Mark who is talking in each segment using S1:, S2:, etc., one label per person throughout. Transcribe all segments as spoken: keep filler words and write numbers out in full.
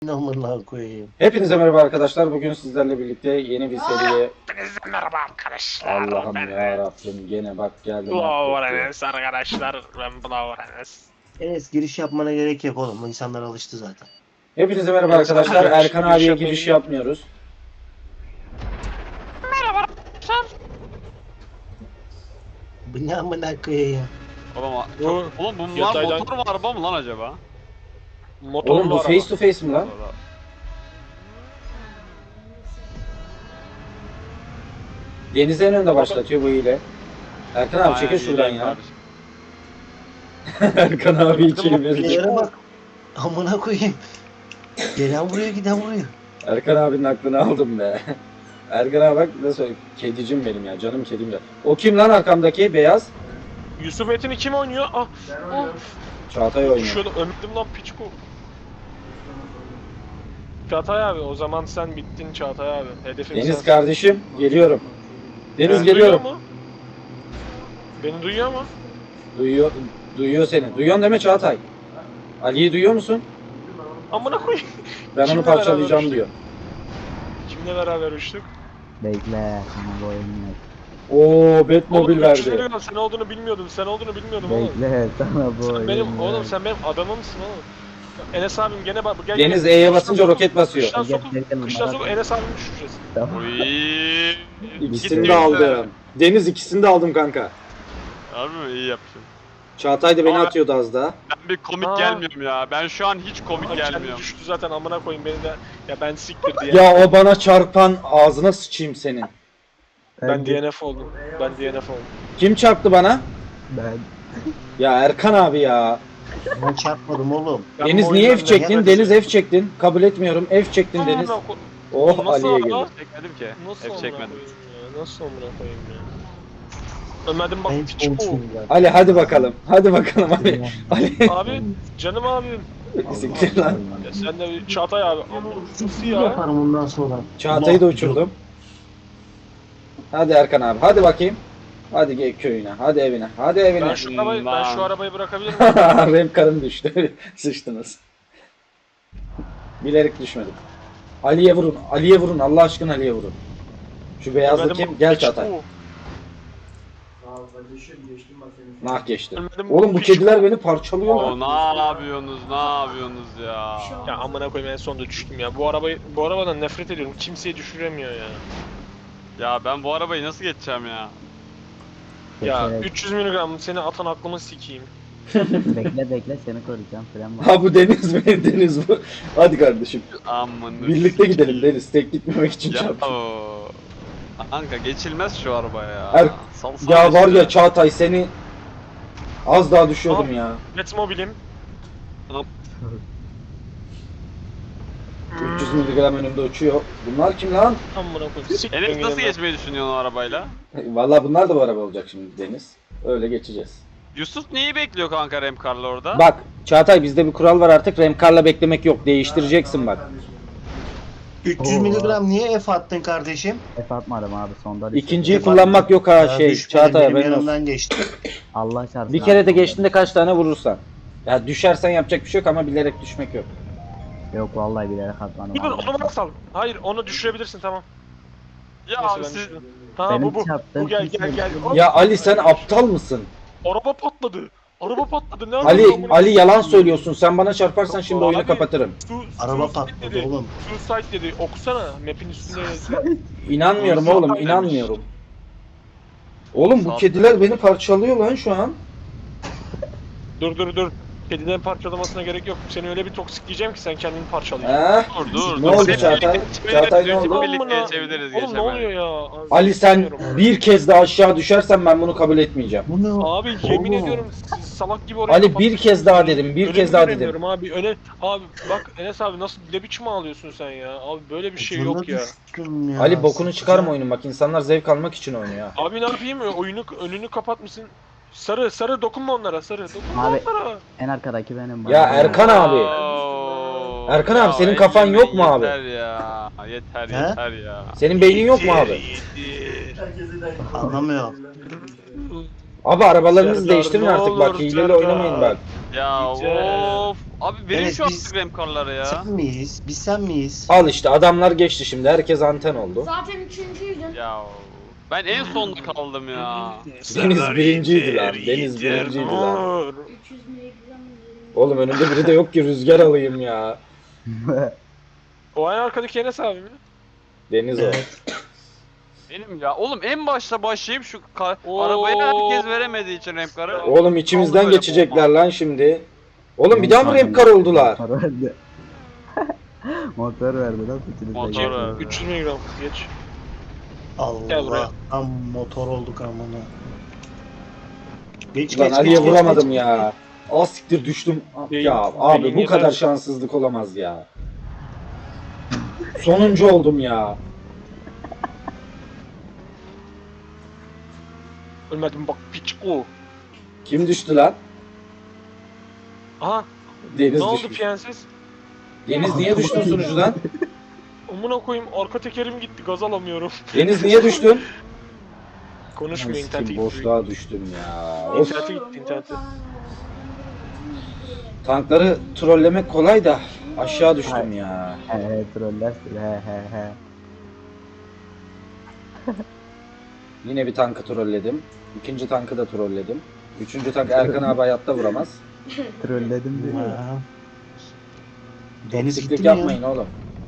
S1: Amına koyayım.
S2: Hepinize merhaba arkadaşlar. Bugün sizlerle birlikte yeni bir seriye...
S3: Hepinize merhaba arkadaşlar.
S2: Allah'ım
S3: Ben
S2: ya Rabbim gene bak geldim.
S3: Blower Enes arkadaşlar. Ben Blower Enes.
S1: Enes giriş yapmana gerek yok oğlum. İnsanlar alıştı zaten.
S2: Hepinize merhaba
S3: Evet,
S2: arkadaşlar.
S3: giriş-
S2: Erkan
S3: giriş
S2: abiye
S3: yapmayı
S2: giriş
S3: biliyorum.
S2: yapmıyoruz.
S3: Merhaba arkadaşlar.
S1: Bu ne amına koyayım.
S4: Oğlum,
S3: Bu-
S4: çok, oğlum bunlar
S3: Yataydan-
S4: motor mu araba mı lan acaba?
S3: Motorlu
S2: Oğlum bu
S3: araba.
S2: face to face mi lan? Deniz en önde başlatıyor bu ile. Erkan abi çekil
S4: Aynen,
S2: şuradan
S4: iyi
S2: ya.
S4: kardeşim.
S2: Erkan abi içeri verecek.
S1: Yere bak. Amına koyayım. Gelen vuruyor giden vuruyor.
S2: Erkan abinin aklını aldım be. Erkan abi bak nasıl kedicim benim ya, canım kedim ya. O kim lan arkamdaki beyaz?
S3: Yusuf Metin'i kim oynuyor? Ah. ah.
S2: Çağatay oynuyor.
S3: Şöyle ömdüm lan piçko. Çağatay abi o zaman sen bittin Çağatay abi. Hedefin
S2: Deniz
S3: sensin.
S2: kardeşim geliyorum. Deniz
S3: Beni
S2: geliyorum.
S3: duyuyor mu? Beni duyuyor mu?
S2: Duyuyor, duyuyor seni. Duyuyorsun deme Çağatay. Ali'yi duyuyor musun?
S3: Amına koyayım.
S2: Ben onu
S3: Kimle
S2: parçalayacağım
S3: beraber
S2: diyor.
S3: Kimle beraber uçtuk?
S5: Bekle, sana bu oyun yok.
S2: Oo, Batmobil
S3: Oğlum üç yüz
S2: verdi.
S3: milyon sen olduğunu bilmiyordum. Sen olduğunu bilmiyordum oğlum.
S5: Bekle, sana bu
S3: Sen
S5: oyun
S3: benim
S5: yok.
S3: oğlum sen benim adamımsın oğlum. Enes abim gene bak gel.
S2: Deniz
S3: gel.
S2: E'ye
S3: Kıştan
S2: basınca
S3: sokul-
S2: roket basıyor.
S3: Kıştan
S5: Gel,
S3: sokul,
S5: gel, gel,
S3: kıştan
S5: bana
S3: sokul
S5: bak.
S3: Enes abimi düşüreceğiz.
S5: Tamam.
S4: Uy.
S2: İkisini de aldım. Deniz ikisini de aldım kanka.
S4: Harbi mi? İyi yapmışım.
S2: Çağatay da beni
S4: Ama-
S2: atıyordu az daha.
S4: Ben bir komik
S3: Aa.
S4: gelmiyorum ya. Ben şu an hiç komik
S3: Ama kendi
S4: gelmiyorum.
S3: düştü zaten amına koyayım beni de. Ya ben siktir diye.
S2: Ya o bana çarpan ağzına sıçayım senin.
S3: Ben D N F oldum. Ben D N F oldum.
S2: Kim çarptı bana?
S5: Ben
S2: Ya Erkan abi ya.
S1: Ben çarpmadım oğlum.
S3: Ben
S2: Deniz
S3: bu
S2: niye
S3: oyundan
S2: F çektin?
S3: nefret
S2: Deniz
S3: ediyorum.
S2: F çektin. Kabul etmiyorum. F çektin
S3: Amına
S2: Deniz.
S3: ko-
S2: Oh
S3: Nasıl
S2: Ali'ye
S3: ama?
S2: geldi.
S4: Çekmedim ki.
S3: Nasıl
S4: Hep
S3: amına
S4: çekmedim.
S3: koyayım ya? Nasıl amına koyayım ya? Ömer'dim bak
S1: Ben hiç
S3: piç bu.
S1: konuşmayayım zaten.
S2: Ali hadi bakalım. Hadi bakalım Ali. Ali.
S3: Abi canım abim.
S2: Siktir lan.
S3: Ya sen de bir Çağatay abi. Nasıl ya?
S1: Yaparım ondan sonra.
S2: Çağatay'ı da
S1: Allah
S2: uçurdum. Hadi Erkan abi. Hadi bakayım. Hadi gel köyüne. Hadi evine. Hadi evine.
S3: Ben şu arabayı, ben şu
S4: Lan.
S3: arabayı bırakabilir miyim?
S2: Rem karın düştü. Sıçtınız. Bilerek düşmedim. Ali'ye vurun. Ali'ye vurun. Allah aşkına Ali'ye vurun. Şu beyazlı
S3: Ömer'dim
S2: kim?
S3: bak,
S2: Gel
S3: piç
S2: Çağatay.
S3: bu.
S2: Nah geçti.
S3: Ömer'dim
S2: Oğlum bu
S3: piç
S2: kediler beni parçalıyor
S4: Oo,
S2: lan.
S4: ne yapıyorsunuz? Ne yapıyorsunuz ya?
S3: Ya amına koyayım en sonunda düştüm ya. Bu arabayı bu arabadan nefret ediyorum. Kimseyi düşüremiyor ya.
S4: Ya ben bu arabayı nasıl geçeceğim ya?
S3: Ya
S5: Evet.
S3: üç yüz miligram seni atan aklımı sikeyim.
S5: bekle bekle seni koruyacağım. Fren var.
S2: Ha bu Deniz mi? Deniz bu. Hadi kardeşim.
S4: Aman.
S2: Birlikte gidelim Deniz. Tek gitmemek için
S4: Ya
S2: çarptım.
S4: o. Kanka geçilmez şu araba ya.
S2: Er-
S4: Salsana
S2: Ya var
S4: işte.
S2: ya Çağatay seni az daha düşüyordum ya.
S3: Batmobilim.
S2: üç yüz miligram önümde uçuyor. Bunlar kim lan?
S3: Amına koyayım. Siktir
S4: Enes nasıl
S3: gidin lan.
S4: geçmeyi düşünüyorsun o arabayla?
S2: Vallahi bunlar da bu araba olacak şimdi Deniz. Öyle geçeceğiz.
S4: Yusuf neyi bekliyor kanka Remkar'la orada?
S2: Bak Çağatay bizde bir kural var artık. Remkarla beklemek yok. Değiştireceksin bak.
S1: üç yüz
S5: Oo.
S1: miligram niye F attın kardeşim?
S5: F atmadım abi sonda düştüm.
S2: İkinciyi kullanmak yok ha
S1: Ya
S2: şey.
S1: düşmedi,
S2: Çağatay
S1: benim
S2: haberin olsun.
S1: yanımdan geçti.
S5: Allah çarpsın.
S2: Bir
S5: abi,
S2: kere de
S5: sonda.
S2: geçtiğinde kaç tane vurursan. Ya düşersen yapacak bir şey yok ama bilerek düşmek yok.
S5: Yok vallahi bilerek atmadım.
S3: Dur dur
S5: abi.
S3: onu bana sal. Hayır onu düşürebilirsin tamam.
S4: Ya
S3: Neyse,
S4: abi
S3: ben
S4: siz...
S3: düşürdüm. Ha
S5: Benim
S3: bu bu.
S5: çarptığım
S3: Bu gel
S5: kimse
S3: gel gel.
S5: yok.
S2: Ya Ali sen aptal mısın?
S3: Araba patladı. Araba patladı. Ne
S2: Ali
S3: yapıyorsun amına
S2: Ali yalan
S3: koyayım?
S2: söylüyorsun. Sen bana çarparsan şimdi oyunu
S3: Abi,
S2: kapatırım.
S3: Su,
S1: Araba
S3: suicide
S1: patladı
S3: dedi.
S1: oğlum.
S3: Suicide dedi. Okusana. Map'in üstünde yazıyor.
S2: İnanmıyorum
S4: Suicide
S2: oğlum,
S4: demiş.
S2: inanmıyorum. Oğlum bu
S4: Sağ-
S2: kediler beni parçalıyor lan şu an.
S3: Dur dur dur. Kediden parçalamasına gerek yok. Seni öyle bir toksikleyeceğim ki sen kendini parçalayacaksın.
S2: Eh?
S4: Dur dur
S2: Ne
S4: dur.
S2: oldu
S4: Hep
S2: Çağatay?
S4: birlikte
S2: Çağatay ne
S4: geçebiliriz,
S2: oldu?
S4: hep birlikte
S3: Amına-
S4: geçebiliriz
S3: Oğlum ne oluyor
S4: geçemeyiz.
S3: ya?
S2: Ali sen
S3: Bilmiyorum.
S2: bir kez daha aşağı düşersen ben bunu kabul etmeyeceğim.
S1: Bu ne?
S3: Abi yemin
S1: Oğlum.
S3: ediyorum siz salak gibi oraya
S2: Ali
S3: kapattınız.
S2: bir kez daha dedim, bir
S3: Önümü
S2: kez daha dedim.
S3: göremiyorum abi. Öne abi bak Enes abi nasıl ne biçim ağlıyorsun sen ya? Abi böyle bir şey
S1: Ucuna
S3: yok ya.
S1: düştüm ya.
S2: Ali bokunu çıkarma oyunun bak insanlar zevk almak için oynuyor.
S3: Abi ne yapayım ya? Oyunu önünü kapatmışsın. Sarı sarı dokunma onlara sarı. Dokunma
S5: Abi,
S3: onlara.
S5: En arkadaki benim.
S2: Ya
S5: bana.
S2: Erkan abi.
S4: Oo.
S2: Erkan abi,
S4: Ya
S2: senin kafan
S4: elli
S2: yok mu abi?
S4: Yeter ya. Yeter
S1: He?
S4: yeter ya.
S2: Senin beynin yok mu abi?
S1: Anlamıyor.
S2: Abi arabalarınızı
S3: Serdar,
S2: değiştirin
S3: ne
S2: artık bak
S3: olur
S2: hileyle
S3: Serdar.
S2: oynamayın bak.
S4: Ya
S3: Yeter.
S4: of Abi verin
S1: Evet,
S4: şu
S1: biz-
S4: artık remkarları ya.
S1: Sen miyiz? Biz sen miyiz?
S2: Al işte adamlar geçti şimdi. Herkes anten oldu.
S6: Zaten üçüncüydün.
S4: Ya ben en sonda kaldım ya.
S2: Deniz birinciydi lan. Deniz birinciydi lan.
S6: üç yüz miligram.
S2: Oğlum önümde biri de yok ki rüzgar alayım ya.
S3: O en arkadaki Enes abi mi?
S2: Deniz o.
S1: Evet.
S4: Benim ya. Oğlum en başta başlayıp şu ka-
S3: Oo.
S4: arabayı herkes veremediği için remkarı.
S2: Oğlum içimizden
S4: Oldu böyle
S2: geçecekler
S4: bomba.
S2: lan şimdi. Oğlum bir daha mı remkar oldular?
S5: Motor verdi. Motor verdi lan üçünüz de
S4: Motor
S5: geçti.
S4: verdi.
S3: üç yüz miligram geç. Gel buraya.
S1: Allah. Tam motor olduk amına. Geç
S2: Lan
S1: geç
S2: Ali'ye
S1: geç, geç,
S2: vuramadım
S1: geç.
S2: ya. Az siktir düştüm.
S3: Beyin-
S2: Ya abi
S3: beyin
S2: bu kadar
S3: yeter.
S2: şanssızlık olamaz ya. Sonuncu oldum ya.
S3: Ölmedim bak piç o.
S2: Kim düştü lan?
S3: Aha
S2: Deniz
S3: ne oldu
S2: düşmüş.
S3: piyensiz?
S2: Deniz niye düştün sunucudan?
S3: Amına koyayım arka tekerim gitti gaz alamıyorum.
S2: Deniz niye düştün?
S3: Konuşmuyor
S2: Lan
S3: internete
S2: sikim,
S3: gitti.
S2: boşluğa düştüm ya. Of.
S3: İnternete gitti internete.
S2: Tankları trollemek kolay da aşağı düştüm ya.
S5: He he trollersin he he he.
S2: Yine bir tankı trolledim. İkinci tankı da trolledim. Üçüncü tank Erkan abi hayatta vuramaz.
S5: Trolledim diyor.
S1: Ha. Deniz
S2: Siklik
S1: gitti mi ya?
S2: yapmayın oğlum.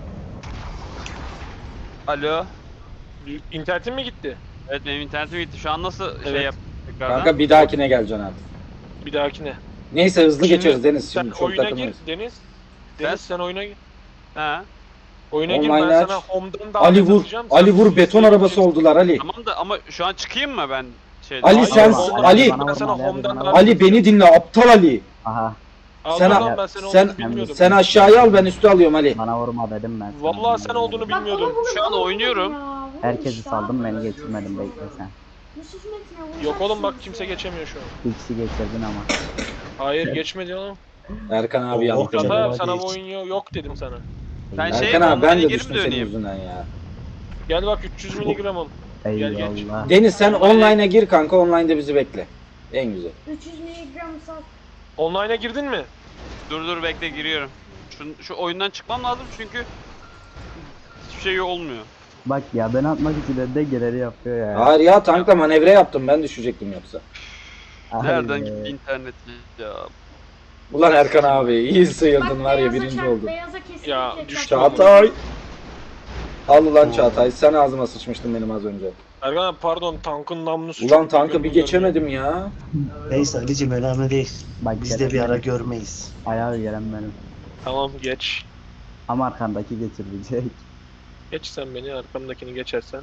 S4: Alo.
S3: İnternetin mi gitti?
S4: Evet benim internetim gitti. Şu an nasıl şey
S3: Evet.
S4: yap tekrardan?
S2: Kanka bir dahakine geleceksin artık.
S3: Bir dahakine.
S2: Neyse hızlı
S3: Şimdi
S2: geçeriz Deniz
S3: Sen
S2: şimdi çok
S3: oyuna gir
S2: takılmayız.
S3: Deniz.
S4: Ben-
S3: Deniz sen oyuna gir.
S4: He.
S3: Oyuna gir
S2: Online
S3: ben
S2: aç.
S3: sana home'dan da
S2: Ali vur, Ali vur beton arabası oldular Ali.
S4: Tamam da ama şu an çıkayım mı ben şeyden?
S2: Ali
S3: Hayır,
S2: sen
S3: bana-
S2: Ali
S5: bana
S3: ben sana
S5: vurma,
S3: home'dan
S5: bana
S3: da-
S5: vurma.
S2: Ali beni dinle aptal Ali.
S5: Aha
S2: Sen-
S3: Sen, ben seni
S2: sen-
S3: olduğunu bilmiyordum.
S2: Sen aşağıya al ben üstü alıyorum Ali.
S5: bana vurma dedim ben sana.
S3: Vallahi sen olduğunu
S6: Bak onu
S3: bilmiyordum.
S6: bunu
S4: Şu an
S6: bana
S4: oynuyorum.
S6: vurun ya, vurun
S5: Herkesi
S6: işte
S5: saldım
S6: abi.
S5: beni geçirmedin bekle sen.
S6: Yusuf Metin'e vuracaksınız
S3: Yok oğlum bak
S6: ya.
S3: kimse geçemiyor şu an.
S5: Bir kişi geçirdin ama.
S3: Hayır geçmedi oğlum.
S2: Erkan abi
S1: Oh,
S2: yanlış.
S1: oh,
S3: Hata
S1: Hadi
S3: yap
S1: hadi
S3: sana bu
S1: geç.
S3: oyun yok, yok dedim sana.
S4: Ben şey
S2: Erkan abi ben
S4: online'a
S2: de
S4: geri mi
S2: düştüm senin
S4: döneyim?
S2: yüzünden ya.
S3: Gel bak üç yüz miligramım. Gel, geç.
S5: Eyvallah.
S2: Deniz sen online'a gir kanka online'da bizi bekle. En güzel.
S6: üç yüz miligram sat.
S3: Online'a girdin mi?
S4: Dur dur bekle giriyorum. Şu, şu oyundan çıkmam lazım çünkü hiçbir şey olmuyor.
S5: Bak ya ben atmak için önde geleni yapıyor ya.
S2: Hayır ya tankla manevra yaptım ben düşecektim yoksa.
S5: Ay
S4: Nereden
S5: be.
S4: gitti internet ya?
S2: Ulan Erkan abi iyi sıyırdın
S6: Bak,
S2: var ya
S6: beyaza
S2: birinci
S6: çarp,
S2: oldun.
S6: Beyaza kesinlikle
S3: Ya,
S6: çarp.
S3: düştü.
S2: Çağatay. Al ulan Çağatay sen ağzıma sıçmıştın benim az önce.
S3: Ergan abi pardon tankın namlusu
S2: Ulan
S3: çok
S2: tankı
S3: büyük,
S2: bir
S3: onu görmüyorum.
S2: geçemedim ya.
S1: Neyse Ali'cim önemli değil.
S5: Bak
S1: Biz de bir
S5: gelen
S1: ara
S5: benim.
S1: görmeyiz.
S5: Ayağı gelen benim.
S3: Tamam geç.
S5: Ama arkandaki geçirecek.
S3: Geç sen beni arkamdakini geçersen.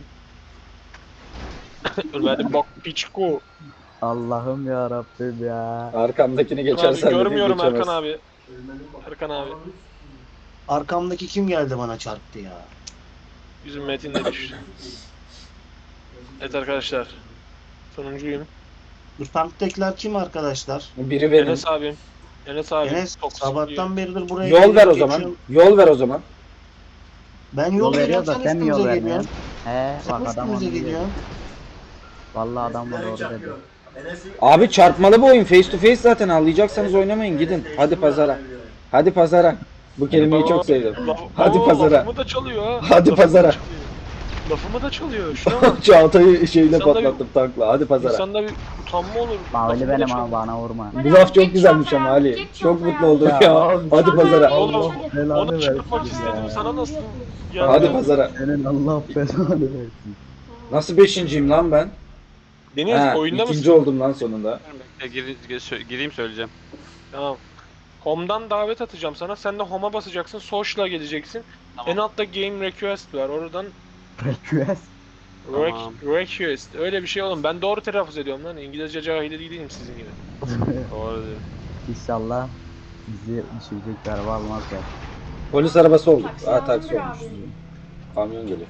S3: Ölmedim bak piçko.
S5: Allah'ım ya Rabbim ya.
S2: Arkamdakini
S3: Erkan abi
S2: geçersen dedin,
S3: görmüyorum
S2: geçemez.
S3: Erkan abi. Erkan abi.
S1: Arkamdaki kim geldi bana çarptı ya?
S3: Bizim Metin de düştü. Evet arkadaşlar. Sonuncuyum.
S1: Bu tanktakiler kim arkadaşlar?
S2: Biri benim.
S3: Enes abim. Enes abi.
S1: Enes
S3: toksik
S1: sabahtan beridir buraya
S2: Yol
S1: gelip
S2: ver o
S1: geçiyorum.
S2: zaman. Yol ver o zaman.
S1: Ben
S5: Yol
S1: yol
S5: veriyor
S1: veriyorum
S5: da
S1: sen
S5: sen mi yol
S1: üstümüze
S5: vermiyorsun?
S1: geliyorsun.
S5: He
S1: Sen
S5: bak adam onu
S1: üstümüze
S5: diyor.
S1: geliyorsun.
S5: Vallahi adam var orada dedi.
S2: Abi çarpmalı bu oyun. Face to face zaten anlayacaksanız oynamayın gidin. Hadi pazara. Hadi pazara. Bu kelimeyi çok sevdim.
S3: Laf-
S2: Hadi
S3: Oo,
S2: pazara.
S3: Lafımı da çalıyor ha.
S2: Hadi
S3: Lafımı
S2: pazara.
S3: da çalıyor. Lafımı da çalıyor. Şuna bak.
S2: Çağatay'ı şeyle
S3: İnsanda bir-
S2: patlattım tankla. Hadi pazara.
S3: İnsanda bir utanma olur.
S5: Mavili
S3: Lafımı da
S5: benim
S3: çalıyor.
S5: ama bana vurma.
S2: Bu laf çok
S6: Geç
S2: güzelmiş
S6: Çağatay
S2: ama
S6: abi,
S2: Ali.
S6: geç
S2: Çok
S6: Çağatay
S2: mutlu
S6: abi.
S2: oldum
S5: Ya,
S2: ya.
S5: oğlum,
S2: Hadi
S6: Çağatay
S2: pazara.
S6: abi,
S3: Oğlum,
S6: hadi.
S5: Belanı
S3: Onu
S5: versin
S3: çıkartmak
S5: ya.
S3: istedim. Sana nasıl? Ya,
S2: Hadi pazara.
S5: Senin Allah belanı versin.
S2: Nasıl beşinciyim lan ben?
S3: Deniz
S2: He,
S3: oyunda
S2: ikinci
S3: mısın?
S2: oldum lan sonunda.
S4: Bekle gir, gir- sö- gireyim söyleyeceğim.
S3: Tamam. Home'dan davet atacağım sana. Sen de home'a basacaksın. Social'a geleceksin.
S4: Tamam.
S3: En altta game request var. Oradan
S5: Request.
S3: rec-
S4: Tamam.
S3: request. Öyle bir şey oğlum. Ben doğru telaffuz ediyorum lan. İngilizce cahili değilim sizin gibi.
S4: Doğru diyor.
S5: İnşallah bizi düşürecek bir araba almazlar.
S2: Polis arabası olduk.
S6: Taksi
S2: Aa taksi
S6: alınır
S2: olmuş.
S6: abi.
S2: Kamyon geliyor.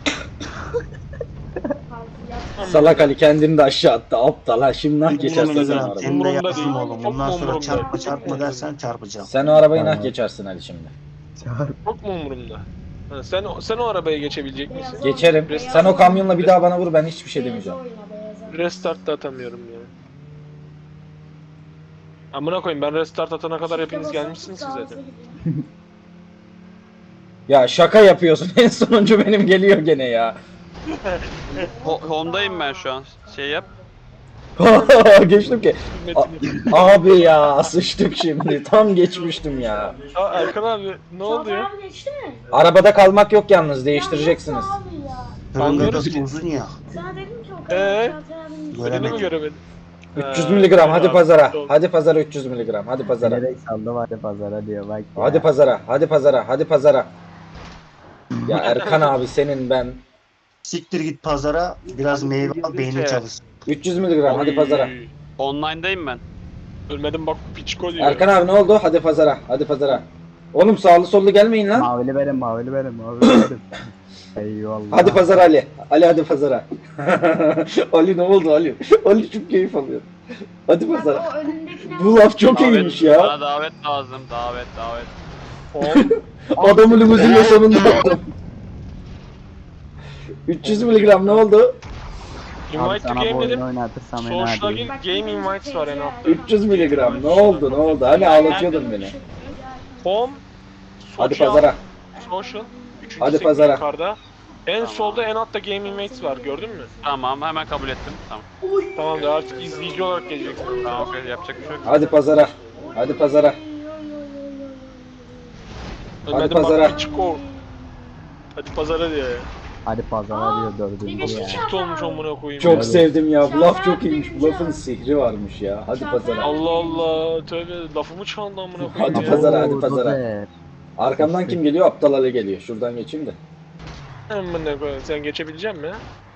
S6: Yat-
S2: Salak Ali kendini de aşağı attı. Aptal ha. Şimdi nah geçersen
S3: Umurumda
S2: sen o
S3: değil.
S2: arabayı.
S1: Senin de
S3: Umurumda
S1: yazdım
S3: değil.
S1: oğlum.
S3: Çok
S1: Bundan sonra
S3: umurumda.
S1: çarpma
S3: Çok
S1: çarpma
S3: umurumda.
S1: dersen çarpacağım.
S2: Sen o arabayı nah
S5: Tamam.
S2: geçersin Ali şimdi.
S5: Çağır.
S3: Çok mu umurumda? Ha, sen, o- sen o arabaya geçebilecek misin?
S6: Beyaz
S2: Geçerim.
S3: Biraz-
S2: Sen o kamyonla bir daha bana vur ben hiçbir şey
S6: Beyaza
S2: demeyeceğim.
S6: oyna, beyaza.
S3: Restart da atamıyorum ya. Amına koyayım ben restart atana kadar hepiniz
S6: Basıp
S3: gelmişsiniz ki
S6: sağa
S3: zaten.
S6: sola gidiyor.
S2: Ya şaka yapıyorsun. En sonuncu benim geliyor gene ya.
S4: Ho- Honda'yım ben şu an. Şey yap.
S2: Geçtim ki.
S3: Metin'i.
S2: A- abi ya sıçtık şimdi. Tam geçmiştim ya.
S3: Aa, Erkan abi ne oldu ya?
S6: Çağatay abi geçti mi?
S2: Arabada kalmak yok yalnız, değiştireceksiniz.
S6: Ya nasıl abi ya?
S1: Tırın
S3: Anlıyoruz
S1: gagası
S3: ki.
S1: uzun ya.
S6: Sana dedim ki o
S3: Ee?
S6: kadar Çağatay abinin
S3: Beni mi
S1: Göremedim.
S3: göremedin?
S2: üç yüz
S3: Ha,
S2: miligram hadi
S3: abi,
S2: pazara.
S3: doğru.
S2: Hadi pazara üç yüz miligram. Hadi pazara.
S5: Bilerek saldım hadi pazara diyor bak ya.
S2: Hadi pazara. Hadi pazara. Hadi pazara. Ya Erkan abi senin ben
S1: Siktir git pazara biraz meyve al beynin çalışsın.
S2: üç yüz miligram hadi
S3: Oy.
S2: pazara.
S4: Online'dayım ben.
S3: Ölmedim bak piçko diyor.
S2: Erkan abi ne oldu? Hadi pazara. Hadi pazara. Oğlum sağlı sollu gelmeyin lan.
S5: Mavili verin mavili verin mavili verin. Eyvallah.
S2: Hadi pazara Ali. Ali hadi pazara. Ali ne oldu Ali? Ali çok keyif alıyor. Hadi
S6: Bak
S2: pazara.
S6: o önündekine
S2: Bu laf çok
S4: Davet-
S2: iyiymiş ya.
S4: Bana davet lazım. Davet davet.
S3: Hop.
S2: Adamı limuzinle sonunda attım. üç yüz miligram ne oldu?
S5: Abi
S3: Invite to
S5: sana bu
S3: game
S5: oyunu
S3: dedim.
S5: oynatırsam en
S3: Social
S5: adi.
S3: game, game invites var en altta.
S2: üç yüz miligram ne oldu ne oldu? Hani ağlatıyordun beni.
S3: Home.
S2: Hadi
S3: social,
S2: pazara.
S3: Social. Üçüncü
S2: Hadi
S3: sekme
S2: pazara.
S3: Yukarıda. En
S4: Tamam.
S3: solda en altta game invites var gördün mü?
S4: Tamam hemen kabul ettim. Tamam.
S3: Tamam da artık izleyici olarak geleceksin.
S4: Tamam okey, yapacak bir şey yok.
S2: Hadi pazara. Hadi pazara.
S3: Ölmedim
S2: pazara.
S3: bak piçko. Hadi pazara diye.
S5: Hadi pazara diyor dördüncü
S6: Bir de
S5: ya.
S6: şu-
S3: Çift olmuş amına koyayım.
S2: Çok
S3: ya.
S2: sevdim ya. Bu laf çok iyiymiş. Bu lafın sihri varmış ya. Hadi pazara.
S3: Allah Allah tövbe lafımı çaldı amına koyayım
S2: Hadi
S3: ya.
S2: pazara, hadi
S5: Oo,
S2: pazara.
S5: Dozer.
S2: Arkamdan kim geliyor? Aptal Ali geliyor. Şuradan geçeyim de.
S3: Amına koyayım sen geçebilecek misin?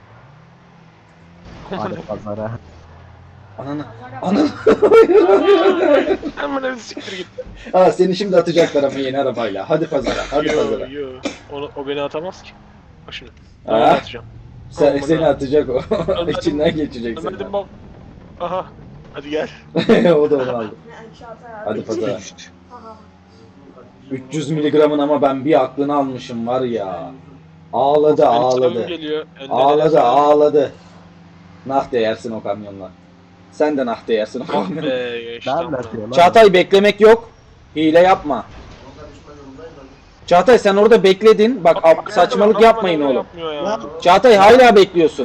S5: Hadi pazara.
S2: Ananı. Ananı.
S3: Amına bir siktir git.
S2: Ha seni şimdi atacaklar ama yeni arabayla. Hadi pazara. Hadi
S3: Yo
S2: pazara.
S3: yo. Onu, o beni atamaz ki. Bak şimdi. Ben
S2: Ha?
S3: onu atacağım.
S2: Sen,
S3: Aman
S2: seni
S3: ha.
S2: atacak o.
S3: Ölmedim.
S2: İçinden geçecek seni.
S3: Ölmedim bak. Aha. Hadi gel.
S2: O da onu aldı.
S6: Çağatay abi.
S2: Hadi pazara.
S6: Aha.
S2: üç yüz miligramın ama ben bir aklını almışım var ya. Ağladı
S3: Benim
S2: ağladı.
S3: sınavım geliyor. Önden
S2: Ağladı
S3: eline
S2: ağladı. Nah değersin o kamyonla. Sen de nah değersin o
S3: Ah
S2: kamyonla.
S3: be geçti
S5: Daha
S3: amına.
S5: atıyor lan.
S2: Çağatay beklemek yok. Hile yapma. Çağatay sen orada bekledin. Bak ab-
S3: Bak,
S2: saçmalık
S3: bak,
S2: yapmayın
S3: bana
S2: oğlum.
S3: yapmıyor ya.
S2: Çağatay hala bekliyorsun.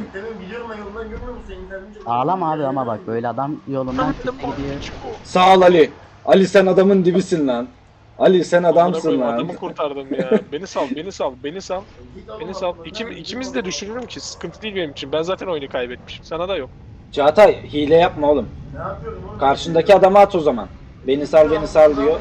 S5: Ağlama abi ama bak böyle adam yolundan
S3: Ölmedim
S5: çıktı
S3: bak
S5: gidiyor.
S3: piçko.
S2: Sağ ol Ali. Ali sen adamın dibisin lan. Ali sen
S3: Amına
S2: adamsın
S3: koyayım,
S2: lan.
S3: Adamı kurtardım ya. Beni sal, beni sal, beni sal. Beni sal. İkim, ikimiz de düşürürüm ki. Sıkıntı değil benim için. Ben zaten oyunu kaybetmişim. Sana da yok.
S2: Çağatay hile yapma oğlum. Karşındaki adamı at o zaman. Beni sal beni sal diyor.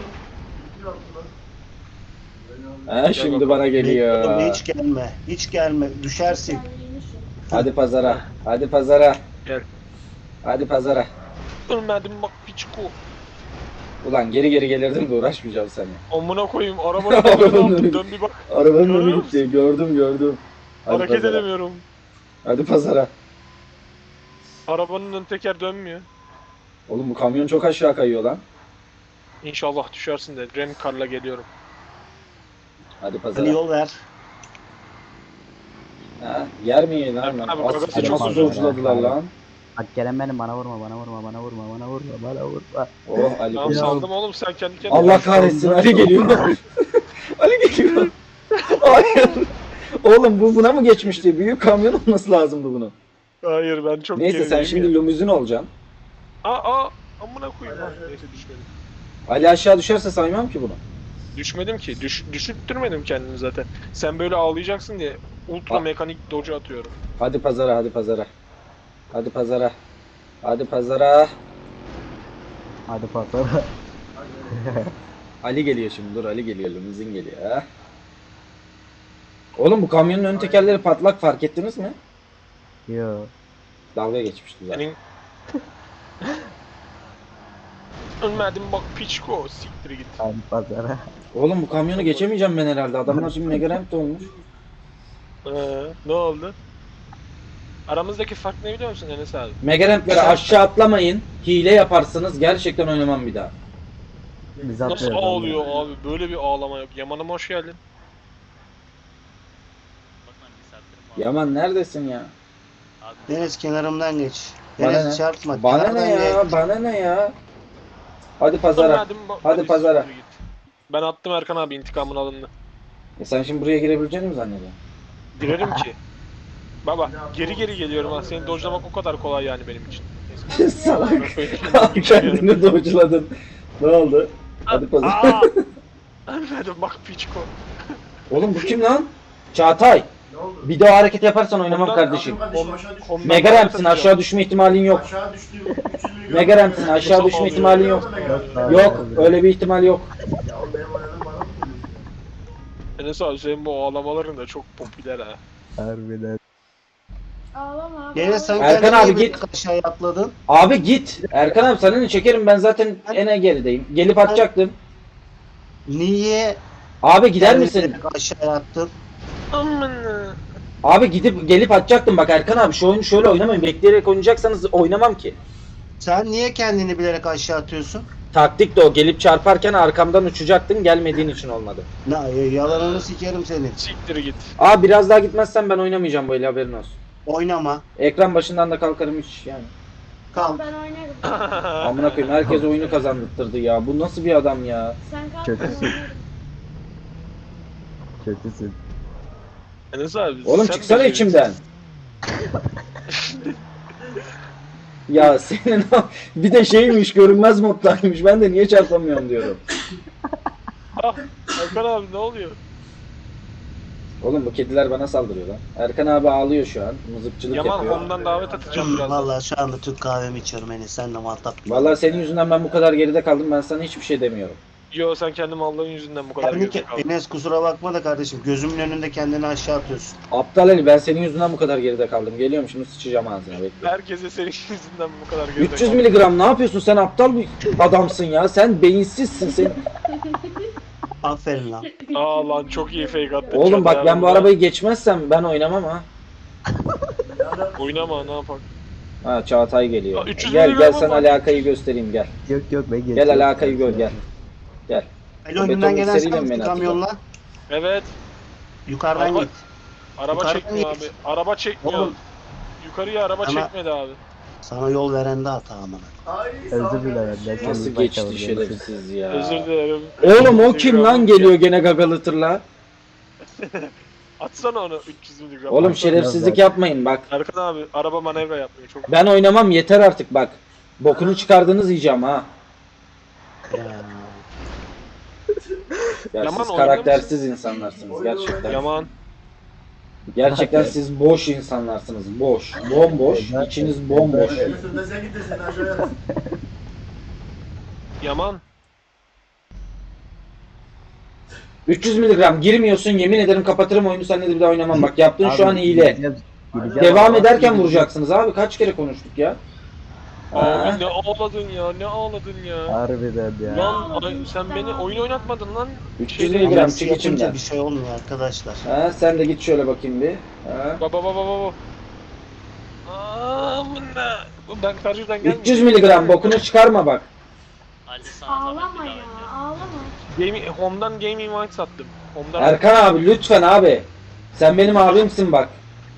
S2: He şimdi bana
S1: Oğlum
S2: geliyor.
S1: hiç gelme. Hiç gelme. Düşersin.
S6: Sen yemişsin.
S2: Hadi pazara. Hadi pazara.
S3: Gel.
S2: Hadi pazara.
S3: Ölmedim bak piçko.
S2: Ulan geri geri gelirdim de uğraşmayacağım seni.
S3: Amına koyayım. Arabanın önüne aldım. Dön bir bak.
S2: Arabanın
S3: Görüyor
S2: önü
S3: musun?
S2: gitti. Gördüm gördüm. Hadi
S3: Hareket
S2: pazara.
S3: edemiyorum.
S2: Hadi pazara.
S3: Arabanın ön teker dönmüyor.
S2: Oğlum bu kamyon çok aşağı kayıyor lan.
S3: İnşallah düşersin de. Ren karla geliyorum.
S2: Hadi
S1: Ali
S2: pazara.
S1: yol ver.
S2: Ha, yer mi yiyin lan?
S3: Abi,
S2: lan?
S3: bagajı
S2: As-
S5: çok
S2: Nasıl
S5: uzun.
S2: uculadılar lan?
S5: Bak gelen benim bana vurma bana vurma bana vurma bana vurma bana vurma.
S2: Oh Ali.
S3: Tamam
S5: Ya.
S3: saldım oğlum sen kendi kendine.
S2: Allah kahretsin Ali geliyor. Ali geliyor. Hayır. Oğlum bu buna mı geçmişti? Büyük kamyon olması lazımdı bunun.
S3: Hayır ben çok
S2: Neyse sen
S3: gerideyim
S2: şimdi
S3: ya.
S2: limuzin olacaksın.
S3: Aa aa. Amına koyayım. Ha, neyse düşmedim.
S2: Ali aşağı düşerse saymam ki bunu.
S3: Düşmedim ki. Düş, düşürttürmedim kendimi zaten. Sen böyle ağlayacaksın diye ultra
S2: Aa.
S3: mekanik doge atıyorum.
S2: Hadi pazara hadi pazara. Hadi pazara. Hadi pazara.
S5: Hadi pazara.
S2: Ali geliyor şimdi dur Ali geliyor limuzin geliyor ha. Oğlum bu kamyonun ön tekerleri patlak fark ettiniz mi?
S5: Yo.
S2: Dalga geçmişti zaten.
S3: Senin... Ölmedim bak piçko. Siktir git.
S5: Hadi pazara.
S2: Oğlum bu kamyonu geçemeyeceğim ben herhalde. Adamlar şimdi Megaramp de olmuş.
S3: Ee, ne oldu? Aramızdaki fark ne biliyor musun Enes abi?
S2: Megaramp'leri aşağı atlamayın. Hile yaparsınız gerçekten oynamam bir daha.
S5: Biz
S3: Nasıl
S5: atıyoruz.
S3: ağlıyor abi? Böyle bir ağlama yok. Yaman'ım hoş geldin.
S2: Yaman neredesin ya?
S1: Deniz kenarımdan geç.
S2: Bana
S1: Deniz
S2: ne?
S1: çarpma.
S2: Bana
S1: kenardan
S2: ne ya?
S1: geç.
S2: Bana ne ya? Hadi pazara.
S3: Verdim, bak-
S2: Hadi
S3: hadi
S2: pazara.
S3: siktir git. Ben attım Erkan abi intikamın alındı.
S2: E sen şimdi buraya girebileceğini mi zannediyorsun?
S3: Girerim ki. Baba geri geri geliyorum ha. Seni dojlamak o kadar kolay yani benim için.
S2: Salak. Kendini dojladın. Ne oldu? Hadi pazara.
S3: Aa! Ölmedim bak piçko.
S2: Oğlum bu kim lan? Çağatay. Bir daha hareket yaparsan oynamam
S3: Ondan-
S2: kardeşim.
S7: Kardeşim aşağı düştü.
S3: Ondan
S2: Mega
S3: daha
S2: Ramp'sin,
S3: satacağım.
S2: aşağı düşme ihtimalin yok.
S7: Aşağı düştü. üç yüz milyon.
S2: Mega Ramp'sin, aşağı
S3: Mustafa
S2: düşme
S3: oluyor.
S2: ihtimalin yok. Yok, öyle bir ihtimal yok.
S7: Ya oğlum benim oynadığım bana mı diyorsun?
S3: Enes abi senin bu ağlamaların da çok popüler ha.
S5: Harbiden.
S6: Ağlama abi.
S1: Gene sen
S2: Erkan
S1: kendini
S2: abi
S1: iyi bir
S2: git.
S1: aşağıya atladın.
S2: Abi git. Erkan abi sana ne çekerim, ben zaten en gerideyim. Gelip atacaktım.
S1: Niye
S2: Abi gider
S1: kendini
S2: misin?
S1: direkt aşağıya attın?
S3: Amına.
S2: Abi gidip gelip atacaktım. Bak Erkan abi şu oyunu şöyle oynamayın. Bekleyerek oynayacaksanız oynamam ki.
S1: Sen niye kendini bilerek aşağı atıyorsun?
S2: Taktik de o. Gelip çarparken arkamdan uçacaktın. Gelmediğin için olmadı.
S1: Ne yalanını sikerim senin.
S3: Siktir git.
S2: Abi biraz daha gitmezsen ben oynamayacağım böyle, haberin olsun.
S1: Oynama.
S2: Ekran başından da kalkarım hiç yani.
S1: Kal.
S6: Ben oynarım.
S2: Amına koyayım, herkes oyunu kazandırdı ya. Bu nasıl bir adam ya?
S6: Sen kal. ben
S5: Kötüsün.
S6: oynarım.
S5: Kötüsün.
S3: Enes abi.
S2: Oğlum
S3: sen
S2: çıksana
S3: de-
S2: içimden. Ya senin o- bir de şeymiş, görünmez moddaymış. Ben de niye çarpamıyorum diyorum.
S3: Ah, Erkan abi ne oluyor?
S2: Oğlum bu kediler bana saldırıyor lan. Erkan abi ağlıyor şu an. Mızıkçılık
S3: Yaman
S2: yapıyor.
S3: home'dan davet atacağım
S1: Hmm,
S3: biraz.
S1: Vallahi şu anda Türk kahvemi içiyorum Enes. Sen de muhatap gibi.
S2: Vallahi senin yüzünden ben bu kadar geride kaldım. Ben sana hiçbir şey demiyorum.
S3: Yo sen kendi mallığın yüzünden bu kadar
S1: Kendi
S3: geride
S1: ke-
S3: kaldın.
S1: Enes kusura bakma da kardeşim. Gözümün önünde kendini aşağı atıyorsun.
S2: Aptal Ali, ben senin yüzünden bu kadar geride kaldım. Geliyorum şimdi, sıçacağım ağzına, bekle.
S3: Herkese senin yüzünden bu kadar geride
S2: üç yüz
S3: kaldım.
S2: miligram ne yapıyorsun? Sen aptal bir adamsın ya. Sen beyinsizsin. Sen...
S1: Aferin lan.
S3: Aa lan çok iyi fake attın.
S2: Oğlum
S3: Çağatay
S2: bak ben
S3: abi.
S2: bu arabayı geçmezsem ben oynamam ha.
S3: Oynama ne yapak.
S2: Ha Çağatay geliyor.
S3: Aa, üç yüz
S2: Gel gel
S3: miligram
S2: sana
S3: var.
S2: alakayı göstereyim, gel.
S5: Yok yok ben
S2: Gel
S5: geçiyorum.
S2: alakayı gör, gel. Gel.
S1: El önünden gelen
S2: mikseriyle
S1: sen
S2: mi
S1: misin
S2: atacağım?
S1: kamyonla?
S3: Evet.
S1: Yukarıdan
S3: Araba-
S1: git.
S3: Araba
S1: Yukarıdan
S3: çekmiyor
S1: git.
S3: abi. Araba çekmiyor.
S1: Oğlum.
S3: Yukarıya araba
S1: Ama-
S3: çekmedi abi.
S1: Sana yol veren de hata amına.
S7: Ay, sağ ol
S5: Özür dilerim. Ben
S7: kardeşim.
S2: Nasıl
S5: seni
S2: geçti
S5: bakalım,
S2: şerefsiz ya.
S3: Özür dilerim.
S2: Oğlum o kim lan geliyor gene gagalı tırla?
S3: Atsana onu üç yüz miligram.
S2: Oğlum
S3: Atsana.
S2: şerefsizlik yapmayın bak.
S3: Erkan abi araba manevra yapmıyor çok.
S2: Ben oynamam, yeter artık bak. Bokunu çıkardınız yiyeceğim ha.
S1: Ya.
S2: Ya
S3: Yaman
S2: siz
S3: oynar
S2: karaktersiz insanlarsınız gerçekten.
S3: Yaman.
S2: Gerçekten siz boş insanlarsınız. Boş. Bomboş. İçiniz bomboş.
S7: Yusuf da sen git de seni aşağıya at.
S3: Yaman.
S2: üç yüz miligram girmiyorsun, yemin ederim kapatırım oyunu, seninle de bir daha oynamam. Bak yaptığın şu
S5: Abi,
S2: an hile.
S5: gideceğim- gideceğim
S2: Devam
S5: ama-
S2: ederken vuracaksınız abi. Kaç kere konuştuk ya? Ha?
S3: Abi ne ağladın ya ne ağladın ya.
S5: Harbiden ya.
S3: Lan ay, sen beni oyun oynatmadın lan.
S2: üç yüz
S3: Şeyde-
S2: miligram
S1: Anası
S2: çık
S1: yapınca
S2: içimden.
S1: bir şey olmuyor arkadaşlar.
S2: Ha, sen de git şöyle bakayım bir. Ha.
S3: Baba baba baba. Amına. Ben karşıdan gelmiyorum.
S2: üç yüz miligram bokunu çıkarma bak.
S6: Ağlama ya. Ağlama.
S3: Gaming, Home'dan Gaming White sattım. Home'dan
S2: Erkan abi lütfen abi. Sen benim abimsin bak.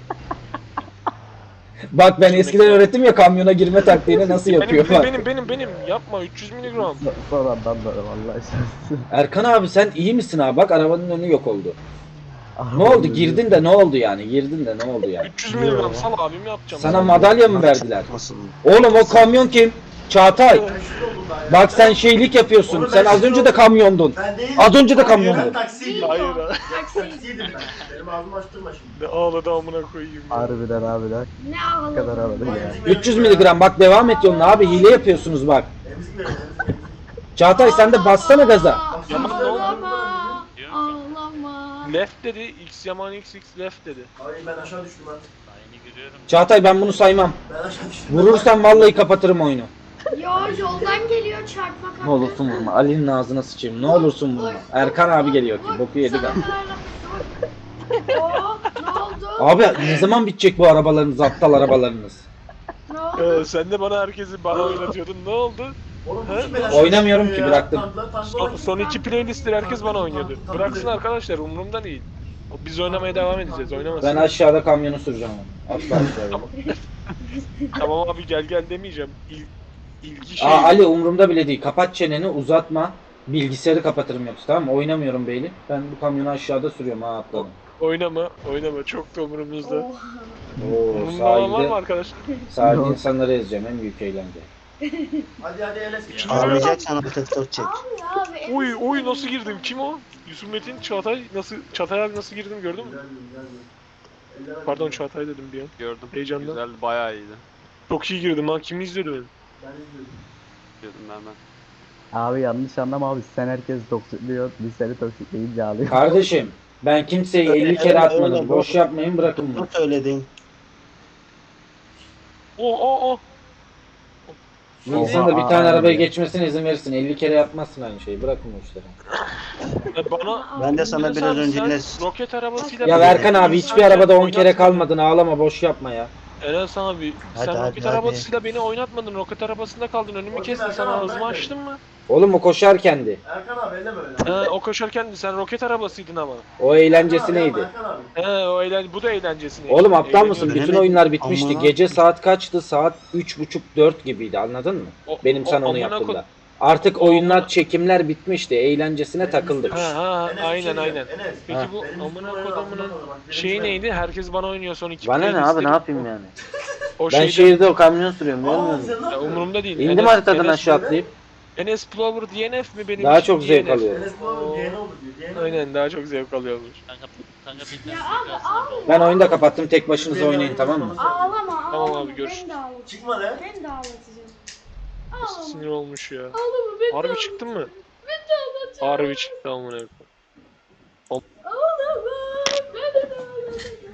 S2: Bak ben eskiden öğrettim ya kamyona girme taktiğini nasıl
S3: benim,
S2: yapıyor
S3: benim,
S2: bak.
S3: benim benim benim yapma üç yüz miligram.
S5: So- Son andan da vallahi şanssız.
S2: Erkan abi sen iyi misin abi? Bak arabanın önü yok oldu. Ne oldu? Girdin de ne oldu yani? Girdin de ne oldu yani?
S3: üç yüz miligram sal abim yapacağım.
S2: Sana madalya mı verdiler?
S1: Çarpmasın.
S2: Oğlum o kamyon kim? Çağatay.
S7: Ben şurada oldum daha ya.
S2: Bak sen şeylik yapıyorsun.
S7: Oğlum
S2: Sen
S7: ben
S2: az önce de kamyondun.
S7: Ben değilim.
S2: Az önce de
S7: Ben
S2: kamyondu.
S7: taksiydim.
S3: Hayır ha.
S6: Taksi.
S7: Taksiydim ben. Benim ağzımı açtırma şimdi.
S3: Ne ağladı amına koyayım ya.
S5: Harbiden harbiden.
S6: Ne
S5: Ne kadar
S6: ağladın?
S5: havalı ya.
S2: üç yüz miligram bak devam et yoluna abi, hile yapıyorsunuz bak.
S7: Emzik verin, emzik verin.
S2: Çağatay sen de bassana gaza.
S3: Yaman ne oldu?
S6: Ağlama. Ağlama.
S3: Left dedi. X Yaman X X left dedi.
S7: Ay ben aşağı düştüm lan.
S2: Çağatay ben bunu saymam.
S7: Ben aşağı düştüm.
S2: Vurursan vallahi kapatırım oyunu.
S6: Yo yoldan geliyor çarpma
S2: Ne olursun vurma. Ali'nin ağzına sıçayım. Ne olursun vurma. Erkan abi geliyor ki. Boku yedik abi.
S6: Oo, ne oldu?
S2: Abi ne zaman bitecek bu arabalarınız, aptal arabalarınız?
S6: Ne oldu?
S3: Ee, sen de bana herkesi bana oynatıyordun. Ne oldu?
S7: Oğlum
S3: He?
S7: kim beni aşağı
S2: Oynamıyorum
S7: düşürüyor
S2: ki,
S7: ya?
S2: bıraktım.
S7: Tanklar, tanklar
S3: Son,
S7: var.
S3: son iki playlistleri herkes bana oynuyordu. Bıraksın arkadaşlar umurumda değil. Biz oynamaya devam edeceğiz. Oynamasın.
S2: Ben aşağıda kamyonu süreceğim. Atla aşağıya.
S3: Tamam abi gel gel demeyeceğim. İl, ilgi şey.
S2: Aa Ali umurumda bile değil. Kapat çeneni, uzatma. Bilgisayarı kapatırım yoksa, tamam mı? Oynamıyorum beyli. Ben bu kamyonu aşağıda sürüyorum, ha atladım.
S3: Oynama, oynama. Çok da umurumuzda.
S6: Oha.
S2: Oo
S3: Umurumda olan var mı
S2: sahilde,
S3: arkadaşlar?
S2: sahilde
S5: Yok.
S2: insanları ezeceğim, en büyük eğlence.
S7: Hadi hadi Enes.
S1: Ağlayacaksan otostop çek.
S6: Abi abi.
S3: Oy oy nasıl girdim? Kim o? Yusuf Metin, Çağatay nasıl Çağatay abi nasıl girdim gördün mü? Pardon Çağatay dedim bir an.
S4: Gördüm.
S3: Heyecandan.
S4: Güzeldi, bayağı iyiydi.
S3: Çok iyi girdim lan. Kim izliyordu beni?
S7: Ben izliyorum.
S4: Gördüm ben ben.
S5: Abi yanlış anlama abi, sen herkes toksikliyor. Biz seni toksikleyince ağlıyor.
S2: Kardeşim ben kimseyi elli kere atmadım. Boş yapmayın, bırakın bunu.
S1: Ne söyledin?
S3: Oh oh oh.
S2: İnsan da bir
S5: Oha,
S2: tane
S5: abi
S2: arabaya
S5: ya.
S2: geçmesine izin verirsin. elli kere yapmazsın aynı şeyi. Bırakın bu işleri.
S3: Ya bana
S1: Ben de sana
S3: Enes
S1: biraz
S3: abi,
S1: önce
S3: sen
S1: ne...
S3: roket arabasıyla
S2: Ya
S3: beni
S2: Verkan abi hiçbir
S3: oynatmadın,
S2: arabada on kere
S3: oynatmadın.
S2: kalmadın. Ağlama, boş yapma ya.
S3: Enes abi
S1: Hadi,
S3: sen
S1: hadi,
S3: roket
S1: hadi.
S3: arabasıyla beni oynatmadın. Roket arabasında kaldın. Önümü
S7: Bakayım
S3: kestin.
S7: Erkan
S3: Sana
S7: abi,
S3: ağzımı
S7: ben de.
S3: açtın mı?
S2: Oğlum o koşarkendi.
S7: Erkan abi elle böyle.
S3: He o koşarken sen roket arabasıydın ama.
S2: O eğlencesi neydi?
S7: Erkan abi.
S3: He o eğlen bu da eğlencesine.
S2: Oğlum aptal mısın?
S3: Eğleniyorum.
S2: Bütün
S1: Denemedim.
S2: oyunlar bitmişti.
S1: Amına
S2: Gece
S1: koyayım.
S2: saat kaçtı? Saat üç buçuk dört gibiydi, anladın mı?
S3: O-
S2: Benim
S3: o-
S2: sana onu
S3: amına
S2: yaptığımda.
S3: koy-
S2: Artık
S3: O-
S2: oyunlar,
S3: amına-
S2: çekimler bitmişti. Eğlencesine takıldık.
S3: Ha ha
S7: Enes,
S3: aynen
S7: bir şey
S3: aynen.
S7: diyeceğim. Enes,
S3: Peki
S2: Ha.
S3: bu
S7: benim
S3: amına
S7: üstüme
S3: kodumunun
S7: oynayan adamlar bak, benim
S3: şeyi
S7: üstüme-
S3: neydi? Herkes bana oynuyor son iki
S1: Bana ne abi,
S3: playlistleri-
S1: ne yapayım yani?
S3: O
S1: Ben
S3: şeyde
S1: şehirde o kamyon sürüyorum, görmüyor
S7: Aa,
S1: musun?
S7: sen ne
S3: ya,
S7: yapıyorsun?
S3: umurumda değil.
S1: İndim
S3: Enes-
S1: haritadan
S3: Enes-
S1: aşağı atlayıp.
S3: Enes Plover D N F mi benim
S2: Daha
S3: için
S2: çok zevk
S3: D N F?
S2: alıyorum.
S7: Enes bu oğlum yeğeni oldu diyor. yeğeni oldu.
S3: Aynen daha çok zevk alıyormuş.
S8: Kanka, kanka bir
S6: Ya
S8: tane
S6: abi ağlama.
S2: Ben oyunu da kapattım. Tek başınıza oynayın, tamam mı?
S6: Ağlama ağlama.
S3: Tamam abi, görüşürüz.
S6: Ben de ağlatacağım.
S7: Çıkma lan.
S6: Ben de ağlatacağım.
S3: Nasıl
S6: Ağlama.
S3: sinir olmuş ya.
S6: Ağlama ben de
S3: Harbi
S6: ağlatacağım.
S3: çıktın mı?
S6: Ben de ağlatacağım.
S3: Harbi çıktı amına koyayım.
S6: Ağlama. Ben de ağlatacağım.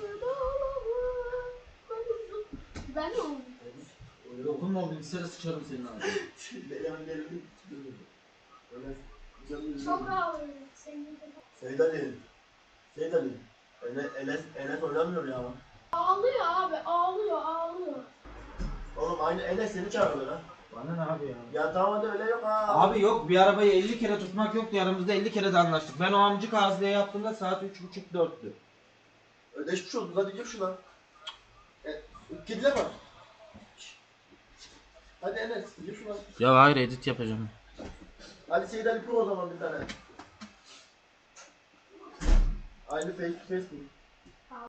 S6: Ağlama. Ben de ağlatacağım.
S2: Dokunma, bilgisayara sıçarım senin abi.
S7: Benim gelelim. Enes. canım
S6: Çok
S7: üzüldüm.
S6: ağlıyorum. Senin de.
S7: Seyit Ali. Seyit Ali. Enes, Enes, Enes oynamıyor ya.
S6: Ağlıyor abi ağlıyor ağlıyor.
S7: Oğlum aynı Enes seni çağırıyor lan.
S2: Bana ne abi ya?
S7: Ya tamam hadi öyle yok ha.
S2: Abi yok, bir arabayı elli kere tutmak yoktu, aramızda elli kere de anlaştık. Ben o amcık ağızlıya yaptığımda saat üç buçuk dörttü.
S7: Ödeşmiş olduk hadi gir şuna. E, kediler var. Hadi Enes gir şuna.
S1: Ya hayır, edit yapacağım.
S7: Hadi Seyit Ali kur o zaman bir tane. Aynı face to face kur.